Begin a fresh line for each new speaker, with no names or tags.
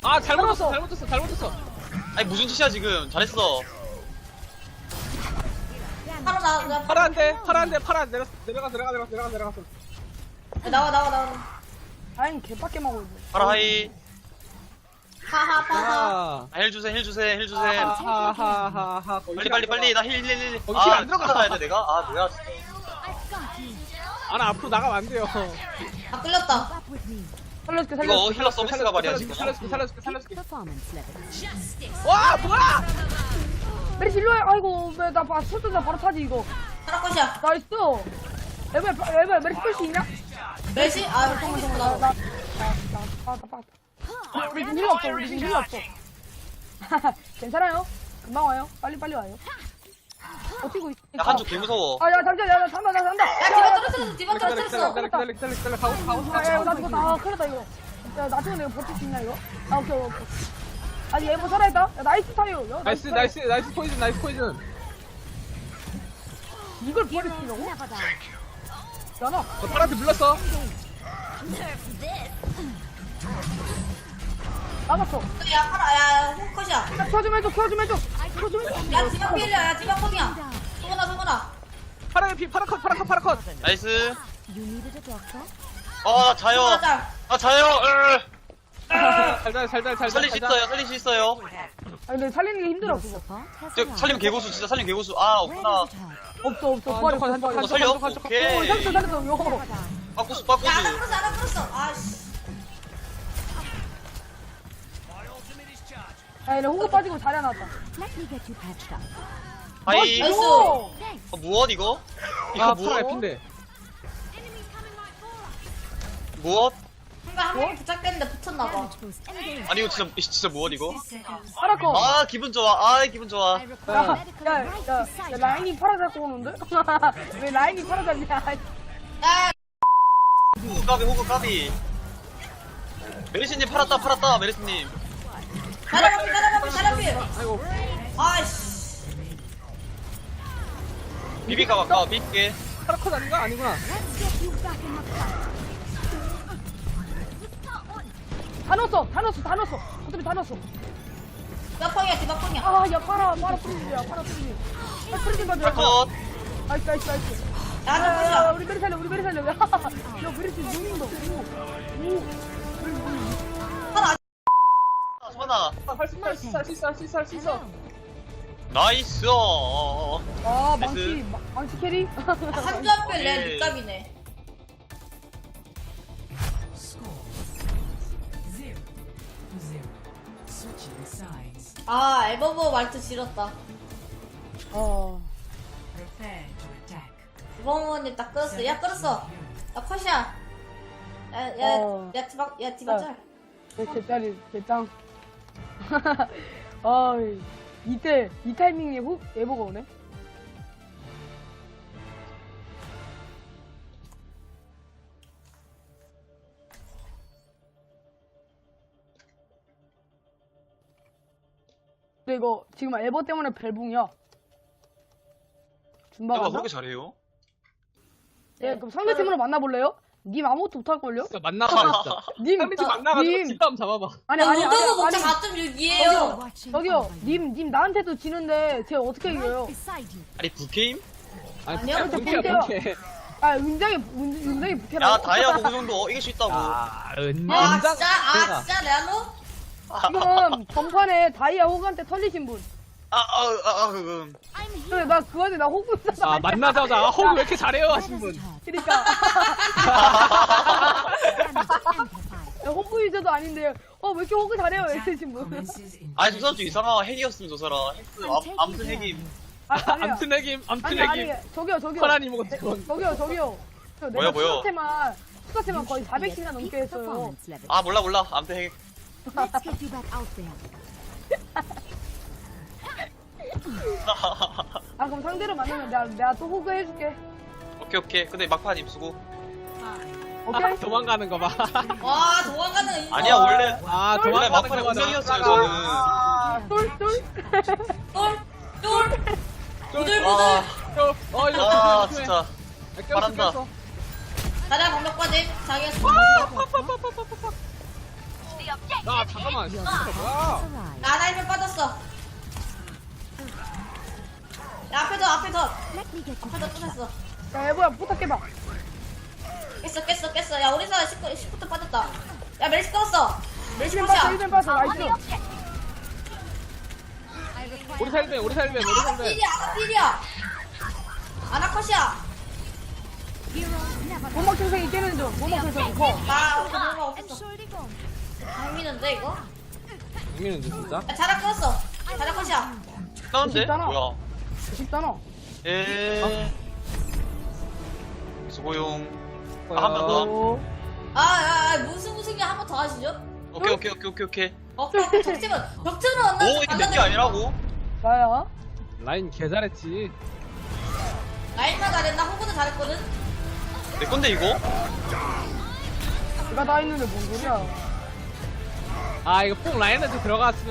아 잘못했어.
아니 무슨 짓이야 지금. 잘했어.
바로 나
파라 안 돼. 내려갔어.
나와.
아니 개밖에 먹어.
파라 하이.
하하.
아.
힐 주셈.
하하하하.
빨리 나 힐.
거기 힐안
들어가 가야 돼 내가. 아 뭐야.
나 앞으로 나가면 안 돼요.
아 끌렸다.
살려줄게
이거 힐러 서비스가 말이야 지금.
살려줄게.
Performance level.
와 뭐야?
메리시 일로와. 아이고 나 설득 나 바로 타지 이거.
하나 컷이야.
나이스. 에바 메리시 뺄수 있냐?
멜시? 아 정말 나.
우리 지금 힐 없어. 괜찮아요. 금방 와요. 빨리 와요. 버티고 있어.
야 한쪽 개 무서워.
아야 잠시만 야 잔다.
야 디바 떨어졌어.
기다려. 가고
야 나 죽었다. 아 큰일 났다 이거. 야 나중에 내가 버틸 수 있나 이거? 아 오케이. 아니 얘뭐 살아있다. 야 나이스 타요. 야,
나이스 포이즌.
이걸 버리시려고?
Never die.
야나.
저 파란색 눌렀어.
나갔어.
야 파라 야 컷이야.
야 켜좀 해줘.
야 디바 필이야. 야 디바 컷이야. 소문아.
파라 컷.
나이스.
You needed a doctor?
아 자요.
짤.
아 자요.
잘.
살릴 수 있어요.
아니 근데 살리는 게 힘들어 그거.
Support has
저
arrived.
살림 개고수 진짜 살림 개고수. 아
Where
없구나.
does it hurt?
없어. 부활했어.
한쪽
살려?
한쪽.
오케이.
살렸어. 요.
Never die.
빠꾸수.
야 하나 끌었어. 아씨.
야 얘네 호구 빠지고 자리 하나 왔다.
Let me get you patched up.
하이.
나이스.
Thanks.
무엇 이거? 이거
아
무엇?
파라 핀데.
무엇?
뭔가 한 명이 부착됐는데 붙었나봐.
Damage boost engaged.
아니 이거 진짜 무엇 이거?
파라커.
아 기분 좋아. 기분 좋아.
I require medical right beside you.
라인이 파라 잡고 오는데? 왜 라인이 파라 잡냐?
야
호구 까비. 메리스님 팔았다 메리스님.
가라비.
아이고.
아씨.
비비가 가까워 비비게.
파라 컷 아닌가? 아니구나.
Let's get you back in the fight.
다 넣었어. 어차피 다 넣었어.
디바펑이야 디바펑이야.
야 파라 프리즈야. 파라 프리즈 가져.
컷.
나이스.
야 하나 컷이야.
우리 메리 살려. 야 메리스 용인다. 오.
하나
선아.
할수 있어.
나이스.
아
나이스.
망치 캐리.
한주 앞에 내 닉값이네. 아 에버버 말투 싫었다. 에버버님 딱 끌었어. 야 끌었어. 야 컷이야. 야 디바 짤.
개짜리 개짱. 이 타이밍에 훅 에버가 오네. 근데 이거 지금 에버 때문에 벨붕이야. 준바
내가
갔나?
그렇게 잘해요?
예, 그럼 상대팀으로 만나볼래요? 님 아무것도 못할걸요?
진짜 만나봐 진짜.
님,
상대팀 만나가지고
님.
뒷담 잡아봐.
아니,
노드고 목차 4.6이에요.
Watching
저기요,
over you.
님 나한테도 지는데 제가 어떻게
Right
이겨요?
beside you.
아니 부게임?
아니요,
본캐야
본캐요.
본캐.
아, 굉장히 부캐라고.
야 다이아 호구 정도 이길 수 있다고.
아
아 진짜 레알로?
지금 전판에 다이아 호그한테 털리신 분.
I'm here.
근데 나 그거한테 나 호구 있어서.
아 만나자마자 호구 왜 이렇게 잘해요 하신 분.
그니까.
Damage amplified.
호구 유저도 아닌데, 왜 이렇게 호구 잘해요? 이러신 분.
아니 저 사람 좀 이상한 핵이었음 저 사람. 핵스 아무튼 핵임.
아니야.
암튼 핵임.
아니, 저기요.
커라니 먹었지 그건.
저기요.
뭐야?
수사태만 거의 400시간 넘게 했어요.
Performance level.
아 몰라 아무튼 핵.
Let's get you back out there.
아, 그럼 상대로 만나면 내가 또 호그 해줄게.
오케이 근데 막판 입수고.
오케이?
도망가는 거 봐.
와 도망가는 인성.
아니야 원래
아
원래
도망가는
막판에
거 봐.
운명이었어요 저는.
똘.
똘. 부들부들.
이거
아
조심해.
진짜. 잘한다.
가자 방벽 빠짐. 자기가
아 잠깐만.
Your
뭐야?
support has arrived.
나 일면 빠졌어. 야, 앞에 더.
Let me get you
앞에 더
back up.
뚫었어.
야 얘 뭐야 부탁해봐.
깼어. 야, 우리 사람 10부터 빠졌다. 야, 멜시 떴어. 멜시
1벤 빠져
컷이야.
1벤 빠져 나이스.
I require
우리 살면 우리 살면.
아나컷이야.
heroes never
보막 생생이 깨는 중. 보막 생생이 커.
나 우리 얼마
and
없었어.
surely go.
강미는데 이거?
국민은데 진짜?
야, 자라 끊었어. 자라 컷이야.
나는데?
쉽잖아.
뭐야?
쉽잖아.
수고용. 한 번 더.
어.
무승이야 한 번 더 하시죠?
오케이.
벽트는 언나.
오, 이게 내게 아니라고?
나야.
라인 개 잘했지.
라인만 잘했나? 호구도 잘했거든.
내 건데, 이거?
내가 다 있는데 뭔 소리야.
아 이거 뽕 라인한테 들어갔으면